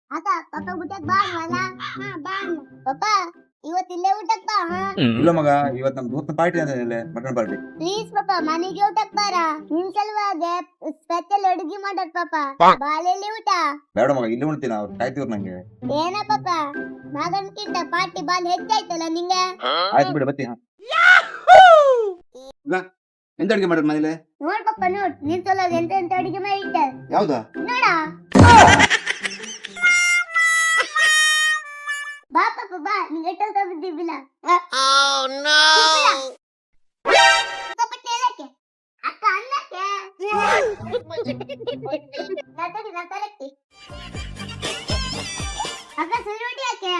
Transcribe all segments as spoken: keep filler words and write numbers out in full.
ಅಕ್ಕ ಪಪ್ಪ ಊಟಕ್ ಬಾ ಅಲ್ಲ. ಹಾ ಬಾ ಅಣ್ಣ. ಪಪ್ಪ ಇವತ್ತು ಇಲ್ಲೇ ಊಟಕ್ ಬಾ. ಹಾ ಇಲ್ಲ ಮಗ, ಇವತ್ತು ನಮ್ ದೋಸ್ತ ಪಾರ್ಟಿ ಅಂತ ಇಲ್ಲೇ ಮಟನ್ ಪಾರ್ಟಿ. ಪ್ಲೀಸ್ ಪಪ್ಪ ಮನೆಗೆ ಊಟಕ್ ಬಾರ. ನಿನ್ ಸಲುವಾಗಿ ಸ್ಪೆಷಲ್ ಅಡುಗೆ ಮಾಡೋದ್ ಪಪ್ಪ. ಬಾಳೆಲ್ಲಿ ಊಟ. ಬೇಡ ಮಗ, ಇಲ್ಲಿ ಉಣ್ತೀನಿ, ಅವ್ರು ಕಾಯ್ತಿವ್ರು ನಂಗೆ. ಏನ ಪಪ್ಪ ಮಗನ್ಕಿಂತ ಪಾರ್ಟಿ ಬಾಲ್ ಹೆಚ್ಚಾಯ್ತಲ್ಲ ನಿಂಗೆ. ಆಯ್ತು ಬಿಡು, ಬತ್ತಿ. ಎಂತ ಅಡಿಗೆ ಮಾಡೋದು ಮನೇಲಿ? ನೋಡ್ ಪಪ್ಪ ನೋಡ್, ನಿನ್ ಸಲುವಾಗಿ ಎಂತ ಎಂತ ಅಡುಗೆ ಮಾಡಿಟ್ಟ. ಯಾವ್ದಾ? ನೋಡ ಬಾ ಪಪ್ಪ ಬಾ, ನಿಂಗೆ ಎಷ್ಟೊತ್ತ ಬಿದ್ದಿಲ್ಲ. ಅಕ್ಕ ಅನ್ನಕ್ಕೆ ನತಡಿ ನತಲಕ್ಕಿ ಅಕ್ಕ ಸುರುಟಿ ಯಾಕೆ?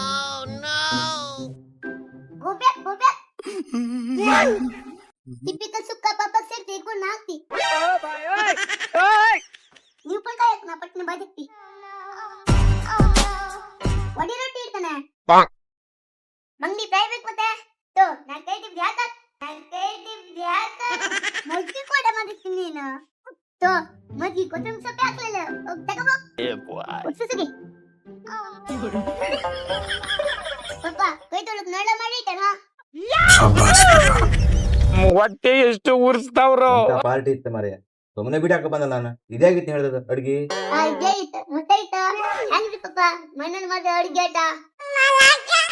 ಗೋಬ್ಯಾ ಗೋಬ್ಯಾ ಟಿಪಿಕಲ್ ಸುಕ್ಕ ಪಾಪ ಸೇರ್ತಿ ಇಟ್ಕೊಂಡು ಹಾಕ್ತಿ. ನೀವು ಪಟ್ಟ ನಾ ಪಟ್ನ ಬದುಕ್ತಿ. ಒಡಿ ರೊಟ್ಟಿ ಇರ್ತಾನೆ ಮಂಗ್ಲಿ ಫ್ರೈ ಬೇಕು ಮತ್ತೆ. ತೋ ನಾನ್ ಕೈ ಟಿಪ್ ಯಾಕ ನಾನ್ ಕೈ ಟಿಪ್ ಯಾಕ ಮಜ್ಜಿಗೆ ಕೂಡ ಮಾಡಿರ್ತೀನಿ ನೀನು. ತೋ ಮಜ್ಜಿಗೆ ಕೊತ್ತಂಬರಿ ಸೊಪ್ಪು ಹಾಕ್ಲಿಲ್ಲ, ಹೋಗಿ ತಗೋಬೋ. ಉತ್ಸುಗಿ ಪಪ್ಪ ಕೈ ತೊಳಕ್ ನಳ ಮಾಡಿಟ್ಟಣ. ಹೊಟ್ಟೆ ಎಷ್ಟು ಉರ್ಸ್ತಾವ್ರು. ಪಾರ್ಟಿ ಇತ್ತು ಮಾರ್ರೆ, ಸುಮ್ಮನೆ ಬಿಡಾಕ ಬಂದ ನಾನು. ಇದೇ ಆಗಿತ್ತು ಹೇಳಿದ ಅಡ್ಗಿ. ಇದೇ ಇತ್ತು ಮುಟ್ಟ ಇತ್ತು ಹೆಂಗ್ರಿ ಪಪ್ಪ ಮಣ್ಣನ್ ಮಾಡಿದ ಅಡ್ಗೆ ಆಟ.